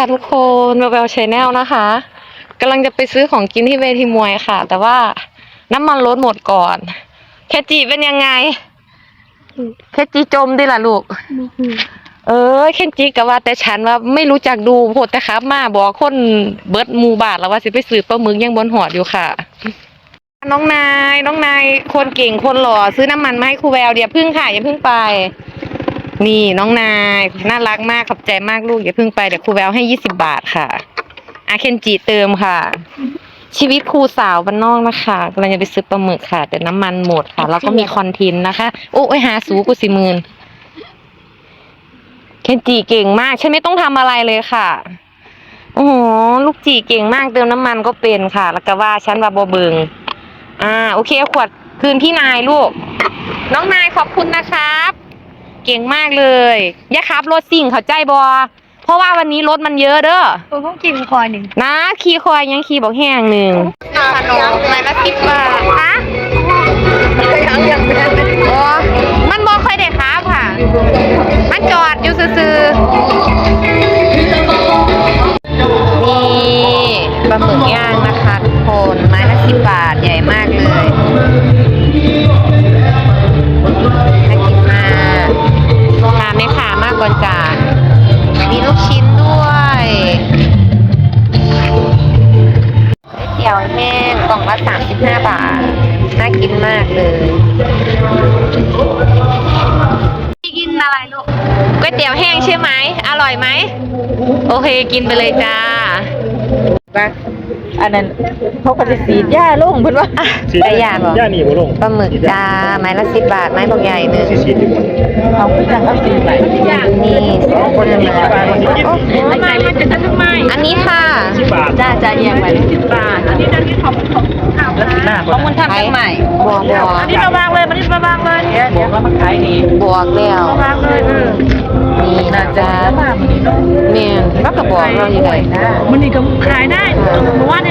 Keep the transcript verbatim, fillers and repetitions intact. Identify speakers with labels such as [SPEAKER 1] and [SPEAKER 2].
[SPEAKER 1] ค่ะทุกคนมาเวลชแนลนะคะกำลังจะไปซื้อของกินที่เวทีมวยค่ะแต่ว่าน้ำมันรถหมดก่อนแคจีเป็นยังไงแคจีจมดิล่ะลูกเออแคจีก็ว่าแต่ฉันว่าไม่รู้จักดูโหดแต่ครับมาบอกคนเบิร์ดมูบาทแล้วว่าสิไปซื้อปลาหมึกยังบนหอดอยู่ค่ะน้องนายน้องนายคนเก่งคนหล่อซื้อน้ำมันมาให้ครูแววเดี๋ยวพึ่งค่ะอย่าพึ่งไปนี่น้องนายน่ารักมากขอบใจมากลูกอย่าพึ่งไปเดี๋ยวครูแววให้ยี่สิบบาทค่ะอาเคนจิเติมค่ะชีวิตครูสาวบ้านนอกนะคะกำลังจะไปซื้อปลาหมึกค่ะแต่น้ำมันหมดค่ะแล้วก็มีคอนเทนต์นะคะโอ้ยหาสูกูสิมืนเคนจิเก่งมากฉันไม่ต้องทำอะไรเลยค่ะโอ้โหลูกจีเก่งมากเติมน้ำมันก็เป็นค่ะแล้วก็ว่าฉันว่าบ่เบิงอ่าโอเคเอาขวดคืนพี่นายลูกน้องนายขอบคุณนะครับเก่งมากเลยอย่าขับรถสิ่งเข้าใจบอเพราะว่าวันนี้รถมันเยอะเด้อ
[SPEAKER 2] เออพวกกินคอยหนึ่ง
[SPEAKER 1] นะขี่คอยยังขี่บอกแห้งหนึ่งขนมไม้ละสิบบาทคะ
[SPEAKER 2] ยังยังไม่ได้
[SPEAKER 1] โอ้มันบอกค่อยได้ครับค่ะมันจอดอยู่ซื่อๆนี่ปลาหมึกย่างนะคะทุกคนไม้ละสิบบาทใหญ่มากเลยน่ากินมากราไม่ขามากกว่าจานมีลูกชิ้นด้วยเตี๋ยวแห้งกล่องละสามสิบห้าบาทน่ากินมากเลยกินอะไรลูกก๋วยเตี๋ยวแห้งใช่ไหมอร่อยไหมโอเคกินไปเลยจ้าบ้า
[SPEAKER 2] อันนั้นเขาก็จะสีดหญ้าลงเพิ่นว่า
[SPEAKER 1] ได้ยาบอก
[SPEAKER 3] ย่านี่บ่ลง
[SPEAKER 1] ปลาหมึกจ้าไม้ละสิบบาทไม้บางใหญ่หนึ่ง
[SPEAKER 3] สิสิดีกว่า
[SPEAKER 2] เขาคือจังเอาสีไหน
[SPEAKER 1] นี่สองคนเลยโอ้โห
[SPEAKER 2] ทำไมมันจะทำไม
[SPEAKER 1] อันนี้ค่ะ
[SPEAKER 3] สิบบาท
[SPEAKER 2] จ้าจ้าเอียงไปสิบบาทอันนี้อันนี้ของของข้าวของมันทำยังใหม่
[SPEAKER 1] บวกบวก
[SPEAKER 2] อันนี้มาวางเลยมันนี่มาวางเลยเดี๋ยวเดี๋ยวเรามาขายนี่
[SPEAKER 1] บวกแล้ว
[SPEAKER 2] มาวางเลยเออ
[SPEAKER 1] นี่นะจ๊ะ
[SPEAKER 2] บ้ามันนี่เนาะ
[SPEAKER 1] เมียนก็กระบอกเราอยู่ไหน
[SPEAKER 2] มันนี่ก็ขายได้เมื่อวาน